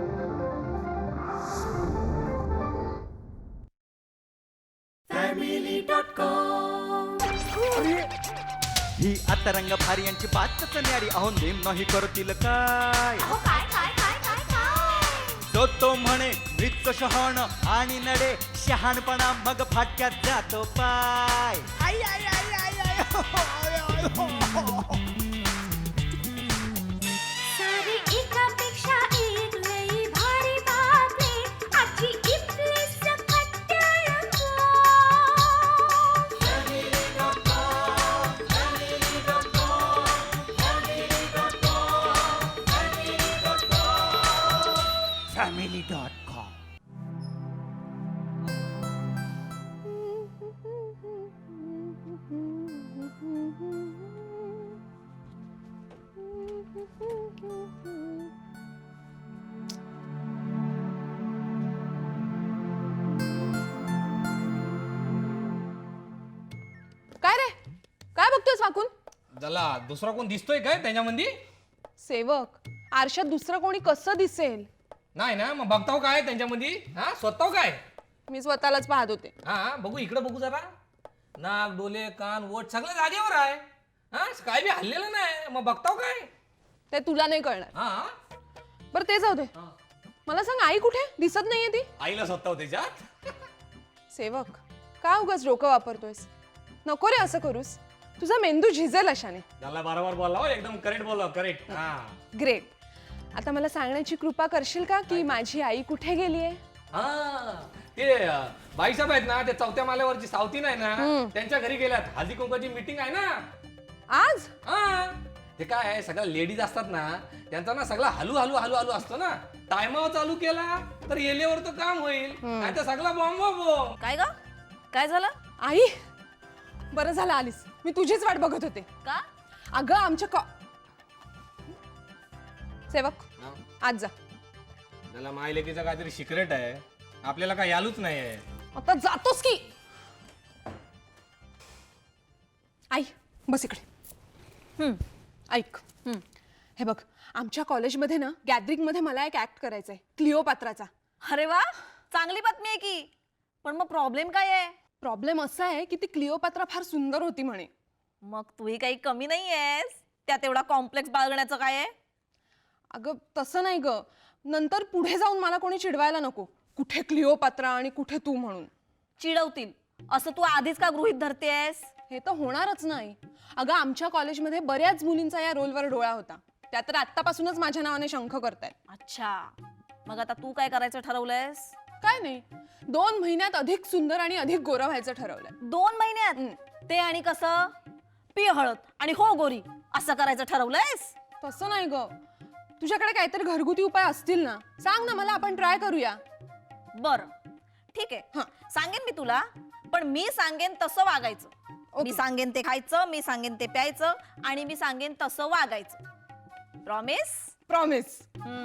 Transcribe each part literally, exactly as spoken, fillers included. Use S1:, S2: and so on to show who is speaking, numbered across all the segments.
S1: ही आता रंग भारी यांची बातच न्यारी अहो नेम नाही करतील काय
S2: अहो काय काय काय काय काय
S1: तो तो म्हणे मृत्यू शहाण आणि नडे शहाणपणा मग फाटक्यात जातो पाय आई, आई, आई, आई, आई, हो, हो, आय, आय, हो, हो, हो.
S2: सारी एकापेक्षा एक लई भारी बातमी आजची इथली सकट रंगो.
S1: फॅमिली डॉट कॉम
S3: काय रे काय बघतोयस वाकून?
S4: त्याला दुसरा कोण दिसतोय काय त्याच्यामध्ये?
S3: सेवक आरशात दुसरं कोणी कसं दिसेल?
S4: नाही ना, मग बघताव काय त्यांच्यामध्ये? हा स्वतः काय?
S3: मी स्वतःलाच पाहत होते.
S4: हा बघू इकडे बघू जरा. नाक डोले कान वट सगळं जागेवर आहे. हा काय बी हल्लेलं नाही, मग बघताव काय?
S3: ते तुला नाही कळणार.
S4: हा
S3: बरं ते जाऊ दे. मला सांग आई कुठे दिसत नाहीये ती?
S4: आईला स्वतः त्याच्यात.
S3: सेवक का उगाच डोकं वापरतोयस? नको रे असं करूस, तुझा मेंदू झिजेल अशाने.
S4: त्याला बरोबर बोलाव, एकदम करेक्ट बोलाव, करेक्ट. हा
S3: ग्रेट. आता मला सांगण्याची कृपा करशील का की माझी आई कुठे गेलीये?
S4: हा ते अं, बाईसाहेब आहेत ना, ते चौथ्या माल्यावरची सावती नाही ना, त्यांच्या घरी गेल्यात. हळदी कुंकाची मीटिंग आहे ना
S3: आज?
S4: हा ते काय आहे, सगळ्या लेडीज असतात ना, त्यांचा ना सगळा हलू हलू हलू हलू असतो ना. टायमावर चालू केला तर येलेवर तर काम होईल, नाही तर सगळा बॉम्ब बॉम्ब.
S5: काय ग काय झालं?
S3: आई बरं झालं आलीस, मी तुझीच वाट बघत होते.
S5: का?
S3: अगं आमच्या कॉ सेवक आज जा.
S4: त्याला मायलेकीचं काहीतरी सिक्रेट आहे, आपल्याला काय यालूच नाही आहे.
S3: आता जातोस की? आई बस इकडे. हम्म ऐक. हम्म हे बघ, आमच्या कॉलेजमध्ये ना गॅदरिंग मध्ये मला एक ऍक्ट करायचा आहे, क्लिओपात्राचा.
S5: अरे वा, चांगली बातमी आहे की. पण मग प्रॉब्लेम काय आहे?
S3: प्रॉब्लेम असा आहे की ती क्लिओपात्रा फार सुंदर होती म्हणे.
S5: मग तूही काही कमी नाहीयेस, त्यात एवढा कॉम्प्लेक्स बाळगण्याचं काय आहे?
S3: अगं तसं नाही ग, नंतर पुढे जाऊन मला कोणी चिडवायला नको, कुठे क्लिओपात्रा आणि कुठे तू म्हणून.
S5: चिडवतील असं तू आधीच का गृहीत धरतेस?
S3: हे तर होणारच नाही. अगं आमच्या कॉलेजमध्ये बऱ्याच मुलींचा या रोलवर डोळा होता, त्या तर आत्तापासूनच माझ्या नावाने शंख करतायत.
S5: अच्छा, मग आता तू काय करायचं ठरवलंयस?
S3: काय नाही, दोन महिन्यात अधिक सुंदर आणि अधिक गोरा व्हायचं ठरवलंय.
S5: दोन महिन्यात? ते आणि कसं? पी हळद आणि हो गोरी असं करायचं ठरवलंयस?
S3: तसं नाही ग, तुझ्याकडे काहीतरी घरगुती उपाय असतील ना, सांग ना मला, आपण ट्राय करूया.
S5: बर ठीक आहे, सांगेन मी तुला, पण मी सांगेन तसं वागायचं. मी सांगेन ते खायचं, मी सांगेन ते प्यायचं, आणि मी सांगेन तसं वागायचं. Promise?
S3: Promise.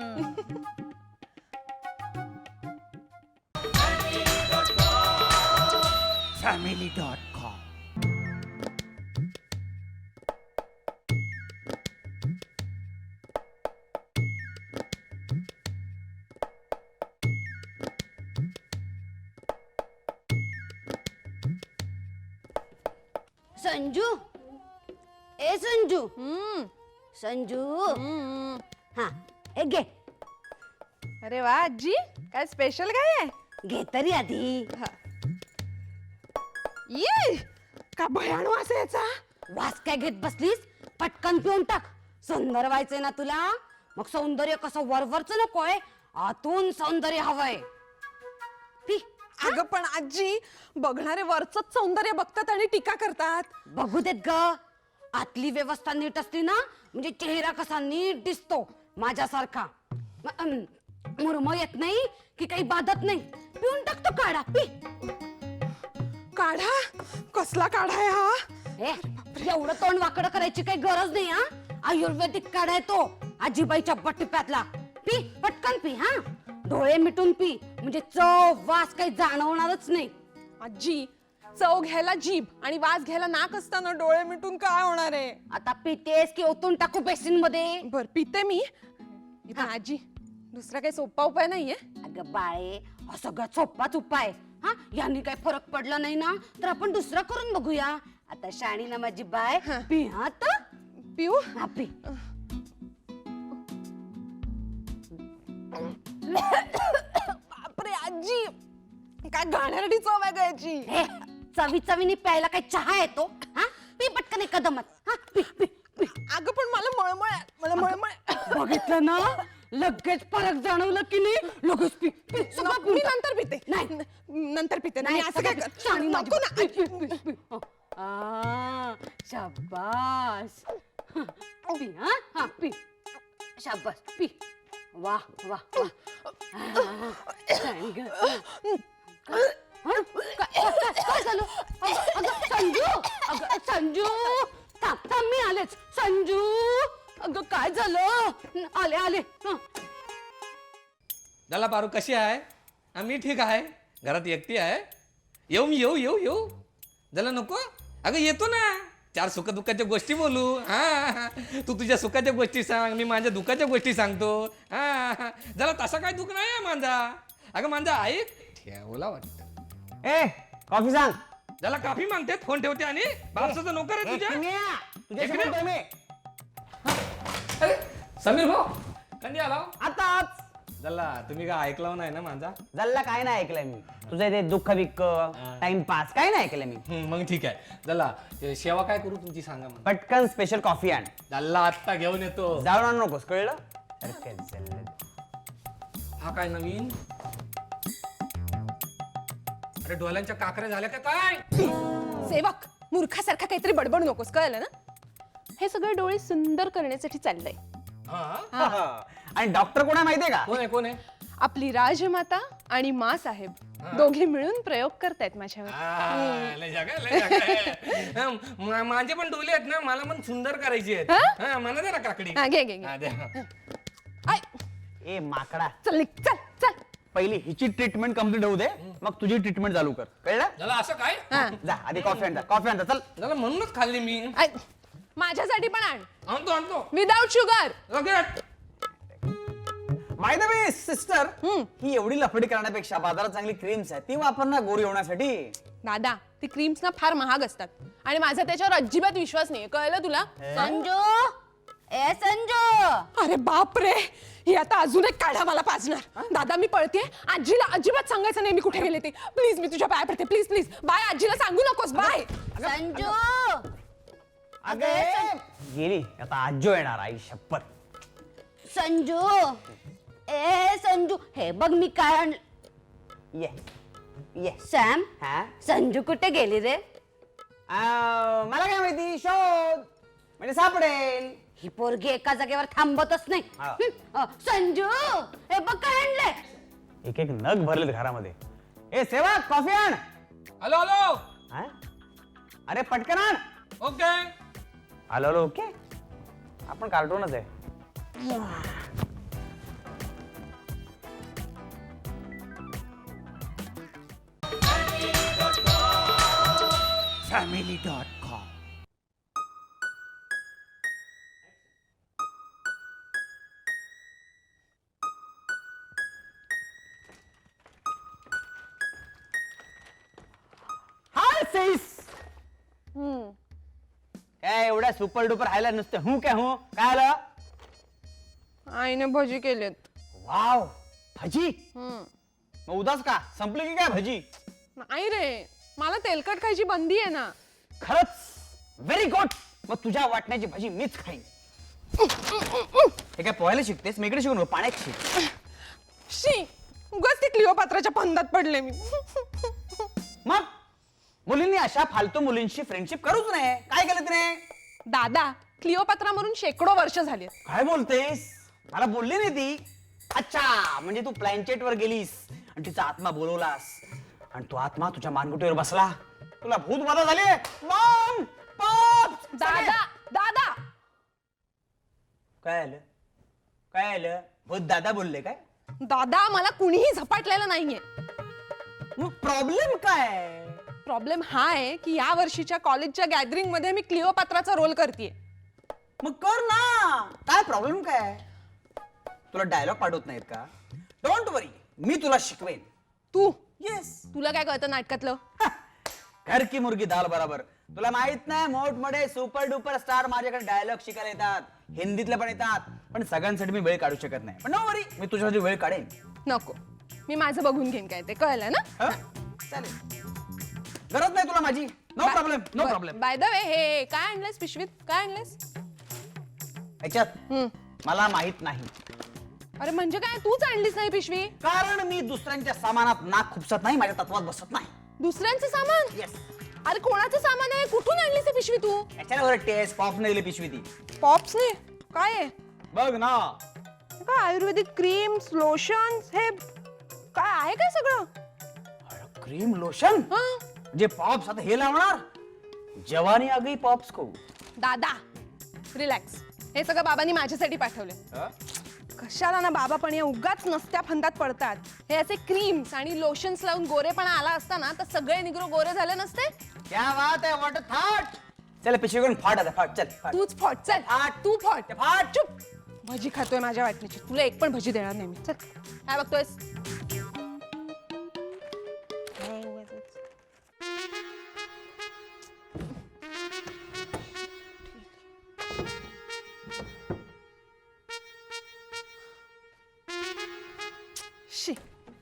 S1: Family dot com
S6: Sanju, ए संजू,
S3: हम्म
S6: संजू,
S3: हम्म.
S6: हा हे घे
S3: अरे वा आजी, काय स्पेशल काय आहे?
S6: घे तरी आधी.
S3: ये का भयाण वास आहे याचा.
S6: वास काय घेत बसलीस, पटकन पिऊन टाक. सुंदर व्हायचंय ना तुला, मग सौंदर्य कसं वरवरच नकोय, आतून सौंदर्य हवंय. पी.
S3: अगं पण आजी, बघणारे वरचंच सौंदर्य बघतात आणि टीका करतात.
S6: बघू देत ग, आतली व्यवस्था नीट असली ना, म्हणजे चेहरा कसा नीट दिसतो माझ्यासारखा. म- अम, मुरम येत नाही की काही बाधत नाही. पिऊन टाकतो काढा, पी.
S3: काढा? कसला काढा आहे हा?
S6: ए, एवढं तोंड वाकडं करायची काही गरज नाही. हा आयुर्वेदिक काढाय तो, आजीबाईच्या बट्टीप्यातला. पी पटकन पी. हा डोळे मिटून पी, म्हणजे चव वास काही जाणवणारच नाही.
S3: आजी, चव घ्यायला जीभ आणि वास घ्यायला नाक असताना डोळे मिटून काय होणार आहे?
S6: आता पितेस की ओतून टाकू बेसिन मध्ये?
S3: बर पिते मी. इथं आजी, दुसरा काही सोपा उपाय नाहीये?
S6: अगं बाळे, हा सगळ्यात सोपाच उपाय. हा, यांनी काही फरक पडला नाही ना तर आपण दुसरा करून बघूया. आता शाणी ना माझी बाय, पी हा आता.
S3: पिऊ?
S6: हा पी.
S3: बापरे आजी, काय घाणेरडी चव आहे याची.
S6: हे, चवी चवीने प्यायला काही चहा येतो? हा, पी पटकन एक कदमत. हा, पी पी पी.
S3: अगं पण मला मळमळ आहे, मला मळमळ आहे.
S6: बघितलं ना, लगेच फरक जाणवलं की नाही? लगेच पी पी. सगळं
S3: नको, मी नंतर पिते.
S6: नाही.
S3: न- नंतर पिते.
S6: नाही,
S3: नाही असं काय
S6: सगळं
S3: कर-
S6: शाणी माझी
S3: नको
S6: बाय.
S3: ना.
S6: पी, पी, पी, पी. हो. आ, शाबास. पी हा, हा पी. शाबास पी. वा वा वा. आ, सांग. हा, काय काय- काय झालं? अगं अगं, संजू, अगं संजू, थांब थांब, मी आलेच. संजू, अगं काय झालं? आले आले. हं.
S4: झाला पारू, कशी आहे? हा, मी ठीक आहे. घरात एकटी आहे. येऊ मी येऊ येऊ येऊ झालं नको? अगं येतो ना, चार सुख दुःखाच्या गोष्टी बोलू. हा, तू तुझ्या सुखाच्या गोष्टी सांग, मी माझ्या दुःखाच्या गोष्टी सांगतो. हा, जरा तसा काय दुःख नाही आहे माझा. अगं माझा ऐक, ठेवला वाटतं.
S7: ए कॉफी सांग.
S4: झाला काफी मागते, फोन ठेवते आणि बापसाचा नोकर आहे तुझ्या.
S7: तुझ्याशी
S4: इकडे.
S7: बोलतोय मी.
S4: अरे समीर भाऊ, कधी आला?
S7: आताच
S4: झाला, तुम्ही काय ऐकलं नाही ना माझा?
S7: जल्ला काय नाही ऐकलंय मी. तुझं ते दुःख बिक्क टाइमपास काय नाही ऐकलंय मी.
S4: हम्म, मग ठीक आहे. झाला, ते सेवा काय करू तुमची सांगा मग.
S7: पटकन स्पेशल कॉफी आण.
S4: झाला, आत्ता घेऊन येतो.
S7: जाऊन आणू नकोस, कळलं? अरे काय चाललंय?
S4: हा काय नवीन? अरे डोळ्यांच्या काकऱ्या झाल्या का काय?
S3: सेवक, मूर्खासारखा काहीतरी बडबड नकोस, कळलं ना? हे सगळे डोळे सुंदर करण्यासाठी चाललंय.
S4: हा?
S7: आणि डॉक्टर कोण आहे माहितीये का?
S4: कोण आहे कोण आहे?
S3: आपली राजमाता आणि मा साहेब दोघे मिळून प्रयोग करतायत माझ्यावर.
S4: आ, लय जागा, लय जागा आहे. हा, मा- माझे पण डोले आहेत ना, मला पण सुंदर करायची आहेत.
S3: हा?
S4: हा, मला दे ना काकडी.
S3: हा, घे घे घे.
S4: हा, द्या.
S3: आय,
S7: ए माकडा,
S3: चल निघ, चल चल.
S7: पहिली हिची ट्रीटमेंट कम्प्लीट होऊ दे, मग तुझी ट्रीटमेंट चालू कर, कळलं?
S4: झाला असं काय?
S3: हा.
S7: जा आधी कॉफी आणता, कॉफी आणता चल.
S4: झाला, म्हणूनच खाल्ली मी.
S3: आय, माझ्यासाठी पण आण,
S4: आणतो आणतो
S3: विदाउट शुगर.
S4: लगेच.
S7: बाय द वे सिस्टर, ही एवढी लफडी करण्यापेक्षा बाजारात चांगली क्रीम्स आहे ती वापर ना गोरी होण्यासाठी.
S3: दादा, ती क्रीम्स ना फार महाग असतात आणि माझा त्याच्यावर अजिबात विश्वास नाही, कळलं तुला?
S6: संजू, ए संजू.
S3: अरे बाप रे, ही आता अजून एक काढा मला पाजणार. दादा मी पळते, आजीला अजिबात सांगायचं नाही मी कुठे गेले ते. प्लीज, मी तुझ्या पाया पडते, प्लीज प्लीज. बाय, आजीला सांगू नकोस. बाय.
S6: संजू,
S7: अगं गेली आता आजो येणार, आई शप्पथ.
S6: संजू, ए संजू, हे बघ मी काय आणलं.
S7: ये ये.
S6: सॅम,
S7: हा
S6: संजू कुठे गेली रे?
S7: आ, मला काय माहिती, शोध म्हणजे सापडेल.
S6: ही पोरगी एका जागेवर थांबतच नाही.
S7: हा.
S6: हं, अ, संजू, हे बघ काय आणलंय.
S7: एक एक नग भरलेत घरामध्ये. ए सेवक, कॉफी आण.
S4: Hello hello.
S7: हा? अरे पटकन आण.
S4: ओके.
S7: आलो आलो ओके. आपण कार्टूनच आहे.
S1: Family dot com.
S7: हाय सेस. काय एवढ्या सुपर डुपर हायला नुसते हूं काय हूं काय आलं?
S3: आईने भजी केलेत.
S7: वाव, भजी. मग उदास का संपली की काय भजी?
S3: नाही रे, मला तेलकट खायची बंदी आहे ना.
S7: खरंच व्हेरी गुड. मग तुझ्या वाटण्याची भजी मीच खाईन. हे काय पोहायला शिकतेस? मी इकडे शिकून पाण्यात शिक.
S3: शी, उगाच ती क्लिओपात्राच्या फंदात पडले मी.
S7: मग मुलींनी अशा फालतू मुलींशी फ्रेंडशिप करूच नाही. काय केलं तिने?
S3: दादा, क्लिओपात्रा मरून शेकडो वर्ष झाली.
S7: काय बोलतेस? मला बोलली नाही ती. अच्छा, म्हणजे तू प्लॅनचेट वर गेलीस आणि तिचा आत्मा बोलवलास आणि तो आत्मा तुझ्या मानगुटीवर बसला. तुला भूत बाधा झाली? Mom, pop.
S3: दादा, दादा,
S7: काय आलं? काय आलं? भूत दादा बोलले काय?
S3: दादा, मला कुणीही झपाटलेलं नाहीये.
S7: मग प्रॉब्लेम काय?
S3: प्रॉब्लेम हा आहे की या वर्षीच्या कॉलेजच्या गॅदरिंग मध्ये मी क्लिओपात्राचा रोल करतेय.
S7: मग कर ना. काय प्रॉब्लेम काय? तुला डायलॉग पाठवत नाहीत का? डोंट वरी, मी तुला शिकवेन.
S3: तू
S7: येस.
S3: तुला काय कळतं नाटकातलं?
S7: घर की मुर्गी दाल बराबर. तुला माहित नाही मोठमोठे सुपर डुपर स्टार माझ्याकडे डायलॉग शिकायला येतात, हिंदीतले पण येतात, पण सगळ्यांसाठी मी वेळ काढू शकत नाही. पण नो वरी, मी तुझ्यासाठी वेळ काढेन.
S3: नको, मी माझं बघून घेईन काय ते, कळलं ना?
S7: हं? चालेल. गरज नाही तुला माझी. No problem, no problem.
S3: By the way, हे काय आणलंयस पिशवीत? काय आणलंयस?
S7: याच्यात मला माहित नाही,
S3: अरे म्हणजे काय, तूच आणलीस नाही पिशवी?
S7: कारण मी दुसऱ्यांच्या सामानात नाक खुपसत नाही, माझ्या तत्वात बसत नाही.
S3: दुसऱ्यांचं सामान?
S7: येस.
S3: अरे कोणाचं सामान आहे? कुठून आणलीस ही पिशवी तू?
S7: याच्यावर टेस्ट पॉप नाही दिली पिशवी ती.
S3: पॉप्सने? काय आहे?
S7: बघ ना.
S3: काय आयुर्वेदिक क्रीम्स, लोशन्स, हे काय आहे काय सगळं?
S7: क्रीम लोशन
S3: हं?
S7: जे पॉप्स आता हे लावणार. जवानी आ गई पॉप्स को.
S3: दादा रिलॅक्स, हे सगळं बाबांनी माझ्यासाठी पाठवले. कशाला ना बाबा पण या उगाच नसत्या फंदात पडतात. हे असे क्रीम्स आणि लोशन्स लावून गोरेपणा आला असता ना तर सगळे निग्रो गोरे झाले नसते.
S7: क्या बात है, व्हाट अ थॉट. चल पिशवी करून फाट आता, फाट. चल फाट.
S3: तूच फॉट, चल
S7: फाट.
S3: तू फॉट.
S7: फाट.
S3: चुप. भजी खातोय माझ्या वाटणीची, तुला एक पण भजी देणार नाही मी. चल काय बघतोयस? शी.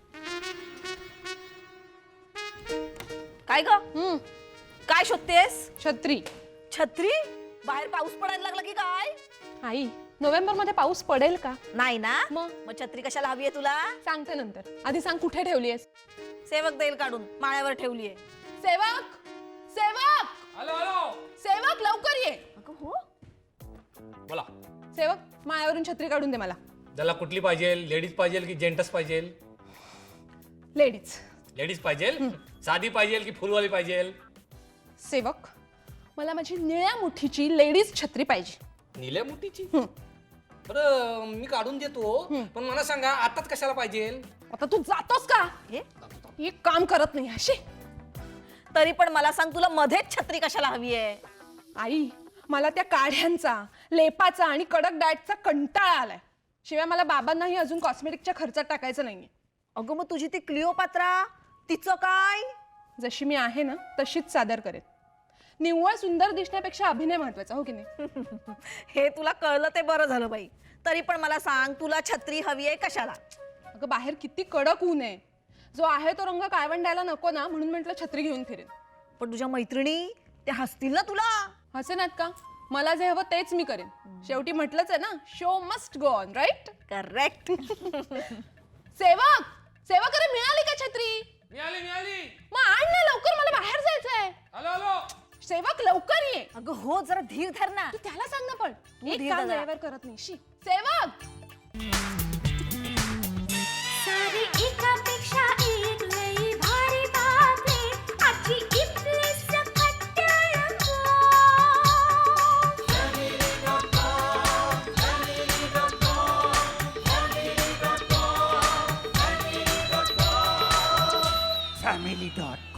S5: काय ग
S3: हम्म,
S5: काय शोधतेस?
S3: छत्री.
S5: छत्री? बाहेर पाऊस पडायला लागला की काय?
S3: आई, नोव्हेंबर मध्ये पाऊस पडेल का?
S5: नाही ना.
S3: मग?
S5: मग छत्री कशाला हवी आहे तुला?
S3: सांगते नंतर, आधी सांग कुठे ठेवलीयस?
S5: सेवक देईल काढून, माळ्यावर ठेवलीये.
S3: सेवक, सेवक,
S4: हॅलो हॅलो,
S3: सेवक लवकर ये.
S5: अगं हो.
S4: बोला.
S3: सेवक, मायावरून छत्री काढून दे मला.
S4: त्याला कुठली पाहिजे? लेडीज पाहिजे की जेंटस पाहिजे?
S3: लेडीज.
S4: लेडीज पाहिजे? साधी पाहिजे की फुलवाली पाहिजे?
S3: सेवक, मला माझी निळ्या मुठीची लेडीज छत्री पाहिजे.
S4: निल्या मुठीची? बरं मी काढून देतो, पण मला सांगा आताच कशाला पाहिजे?
S3: आता तू जातोस का?
S5: हे?
S3: एक काम करत नाही अशी.
S5: तरी पण मला सांग, तुला मध्येच छत्री कशाला हवी आहे?
S3: आई, मला त्या काढ्यांचा, लेपाचा आणि कडक डाएटचा कंटाळा आलाय. शिवाय मला बाबांनाही अजून कॉस्मेटिकच्या खर्चात टाकायचं नाहीये.
S5: अगं मग तुझी ती क्लिओपात्रा, तिचं काय?
S3: जशी मी आहे ना तशीच सादर करेन. निव्वळ सुंदर दिसण्यापेक्षा अभिनय महत्वाचा, हो की नाही?
S5: हे तुला कळलं ते बरं झालं बाई. तरी पण मला सांग, तुला छत्री हवी आहे कशाला?
S3: अगं बाहेर किती कडक ऊन आहे. जो आहे तो रंग काळवंडायला नको ना, म्हणून म्हटलं छत्री घेऊन फिरेन.
S5: पण तुझ्या मैत्रिणी त्या हसतील ना तुला.
S3: हसेनात का? मला जे हवं तेच मी करेन. शेवटी म्हटलंच आहे ना, show must go on, right?
S5: Correct.
S3: सेवक, सेवक, अरे मिळाली का छत्री?
S4: मिळाली मिळाली.
S3: मग आण ना लवकर, मला बाहेर जायचंय.
S4: Hello hello.
S3: सेवक लवकर ये.
S5: अगं हो, जरा धीर धर ना.
S3: तू त्याला सांग ना पण. एक
S5: धीर
S3: काम
S5: धरा.
S3: वेळेवर करत नाही. शी. सेवक.
S2: सारी एकापेक्षा एक लई भारी बातमी आजची इथली सकट रंगो.
S1: Family dot